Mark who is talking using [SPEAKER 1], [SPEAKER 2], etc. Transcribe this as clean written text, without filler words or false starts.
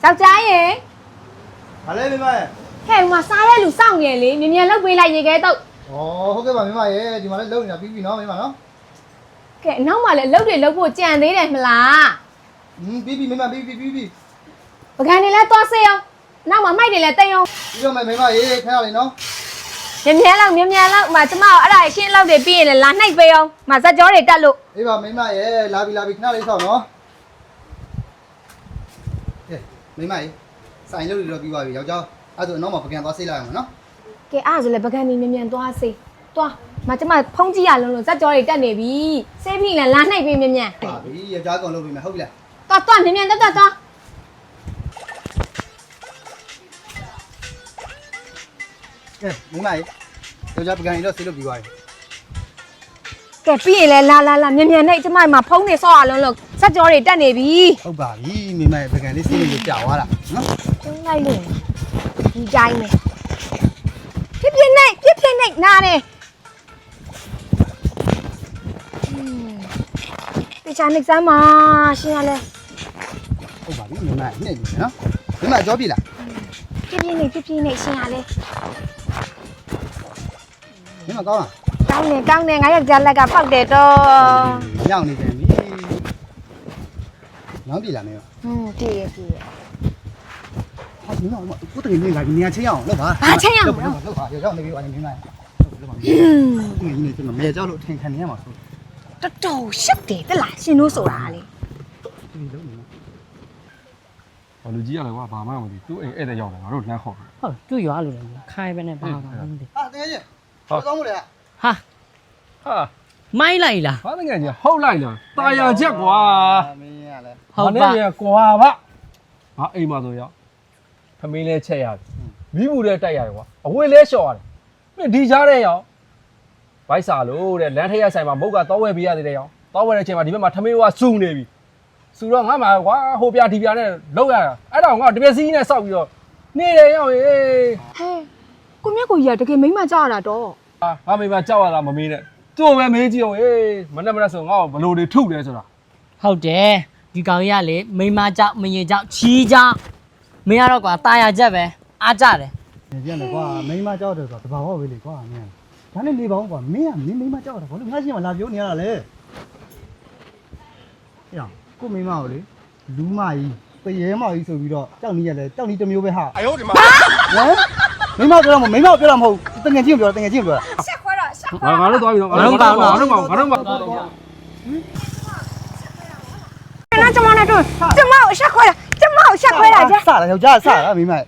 [SPEAKER 1] ယောက်ျားရေ
[SPEAKER 2] ဘာလဲမိမရဲ့
[SPEAKER 1] ဟဲ့ဟိုမှာစားတဲ့လူစောင့်နေလေမြင်မြန်လောက်ပေးလိုက်ရေခဲတော့
[SPEAKER 2] ဩဟုတ်ကဲ့ပါမိမရဲ့ဒီမှာလည်းလုံနေတာပြီးပြီနော်မိမနော်
[SPEAKER 1] ကဲအနောက်မှာလည်းအလုပ်တွေလုပ်ဖို့ကြံသေးတယ်မလား
[SPEAKER 2] ပြီးပြီမိမပြီးပြီ
[SPEAKER 1] ပကံတွေလည်းသွားစေးအောင်နောက်မှာမိုက်တွေလည်းတိတ်အောင်
[SPEAKER 2] ပြီးတော့မယ်မိမရဲ့ခဏလေးနော်
[SPEAKER 1] မြင်မြန်လောက်မှာကျမအဲ့ဒါရှင်းလောက်တွေပြီးရင်လည်းလာနှိပ်ပေးအောင်မဇက်ကြောတွေတက်လို့
[SPEAKER 2] အေးပါမိမရဲ့လာပြီခဏလေးဆောက်နော်ကဲမိမရဲ့ဆိုင်လို့တော့ပြီးပါပြီယောက်ျားအဲ့ဒါနောက်မှာပကံသွားဆေးလိုက်အောင်နော်
[SPEAKER 1] ကဲအဲ့ဒါဆိုလည်းပကံတွေမြင်မြန်သွားစေးသွားမကျမဖုံးကြည့်ရလုံးလို့ဇက်ကြောတွေတက်နေပြီစေးပြီးလည်းလာနှိပ်ပေးမြင်မြန်
[SPEAKER 2] ပါပြီယောက်ျားကောင်လုပ်ပြီမယ်ဟုတ်ပြီလား
[SPEAKER 1] သွားမြင်မြန်သွား
[SPEAKER 2] ကဲမိမရဲ့ယောက်ျားပကံကြီးတော့ဆေးလို့ပြီးပါပြီ
[SPEAKER 1] ကဲပြီးရင်လည်းလာမြင်မြန်နဲ့ကျမမှာဖုံးနေဆော့ရလုံးလို့ဇက်ကြောတွေတက်နေပြီ
[SPEAKER 2] ဟုတ်ပါပြီမိမရဲ့ပကံလေးဆေးလို့ကြာသွားတာနော်
[SPEAKER 1] ကျုံးလိုက်လို့ဒီတိုင်းပဲပြပြနေနားတယ်တခြားနေစမ်းမှာရှင်ရလဲ
[SPEAKER 2] ဟုတ်ပါပြီမိမရဲ့နှိမ့်ပြီနော်မိမကြောပြီလား
[SPEAKER 1] ပြပြနေရှင်ရလဲ
[SPEAKER 2] မိမကောင်းလား
[SPEAKER 1] ကောင်းတယ်ငါယောက်ျားလက်ကပေါက်တယ်တော့
[SPEAKER 2] ညောင်းနေတယ်ပြီနောက်ပြီလားမင်း
[SPEAKER 1] တည်ရ
[SPEAKER 2] ဟာမင်းကကိုတကယ်နေလာနေရချင်းအောင်လုပ်ပါလုပ်ပါရောက်နေပြီပါနေမင်းမလုပ်ပါဒီနေ့ကျွန်တော်မဲကြောက်လို့ထင်ခံနေရမှာဆို
[SPEAKER 1] တော်တော်ရှက်တယ်တလားရှင်တို့ဆိုတာလေ
[SPEAKER 2] ဒီလုံးနေ
[SPEAKER 3] ။လူကြီးရတယ်ကွာဘာမှမသိသူ့အိမ်ဧည့်သည်ရောက်တယ်ငါတို့လမ်းခေါ်တယ်
[SPEAKER 4] ဟုတ်သူ့ရွာလို့လေခိုင်းပဲနဲ့ပါပါမသိ
[SPEAKER 2] ဟာတကယ်ချင်းဟုတ်ကောင်းမို့လေ
[SPEAKER 4] ဟာ
[SPEAKER 3] ။ဟာ
[SPEAKER 4] မိုင်းလိုက်လား
[SPEAKER 3] ဘာတကယ်ကြီးဟုတ်လိုက်လား။ตายရချက်ကွာ
[SPEAKER 2] မင်းရလဲ
[SPEAKER 3] ။ဟုတ်ပါရဲ့ကွာဗျ။ငါအိမ်မှာဆိုရောက်။သမင်းလဲချက်ရတယ်။မိဘူးလဲတိုက်ရတယ်ကွာ။အဝေးလဲလျှော်ရတယ်။ပြီးဒီကြားတဲ့ရောက်။ဘိုက်စာလို့တဲ့လမ်းထရက်ဆိုင်မှာမုတ်ကတော့ဝဲပေးရသေးတယ်ရောက်။တော့ဝဲတဲ့အချိန်မှာဒီဘက်မှာသမင်းကစူနေပြီ။စူတော့ငါမှကွာဟိုပြဒီပြနဲ့လောက်ရတာ။အဲ့တော့ငါတပြက်စီးနဲ့စောက်ပြီးတော့နေတယ်ရောက်ရေ
[SPEAKER 1] ဟဲကိုမြတ်ကိုကြီးကတကယ်မိမကြောက်ရတာတော့
[SPEAKER 3] ။ငါမိမကြောက်ရတာမမေးနဲ့။သူ့ပဲမေးကြည့်အောင်ဟေးမနဲ့ဆိုငါ့ကိုဘလို့တွေထုလဲဆိုတာ
[SPEAKER 4] ဟုတ်တယ်ဒီကောင်ကြီးကလေမိမကြောက်မရင်ကြောက်ချီးကြောက်မင်းကတော့ကွာตายရချက်ပဲအားကြတယ်
[SPEAKER 2] ပြန်တယ်ကွာမိန်းမကြောက်တယ်ဆိုတော့တဘာဝပဲလေကွာမင်းဒါနဲ့နေပါဦးကွာမင်းကမင်းမိန်းမကြောက်တာဘာလို့ငါရှိမှလာပြောနေရတာလဲအေးကိုမိန်းမကိုလေလူမကြီးတရေမကြီးဆိုပြီးတော့ကြောက်နေရလဲကြောက်နေတစ်မျိုးပဲဟာအယောဒီမှာဟမ်မိန်းမပြောတာမဟုတ်မိန်းမပြောတာမဟုတ်တငယ်ချင်းပြောတာတငယ်ချင်းပြောတာ
[SPEAKER 1] ရှက်ခွဲတော့ရှက်
[SPEAKER 3] ငါတို့သွားပြီတော့ငါတို့ပါငါတို့ပါ
[SPEAKER 1] 那怎么来着？怎么我吓坏了？怎么我吓坏了？这
[SPEAKER 2] စတာယောက်ျားစတာမိန်းမ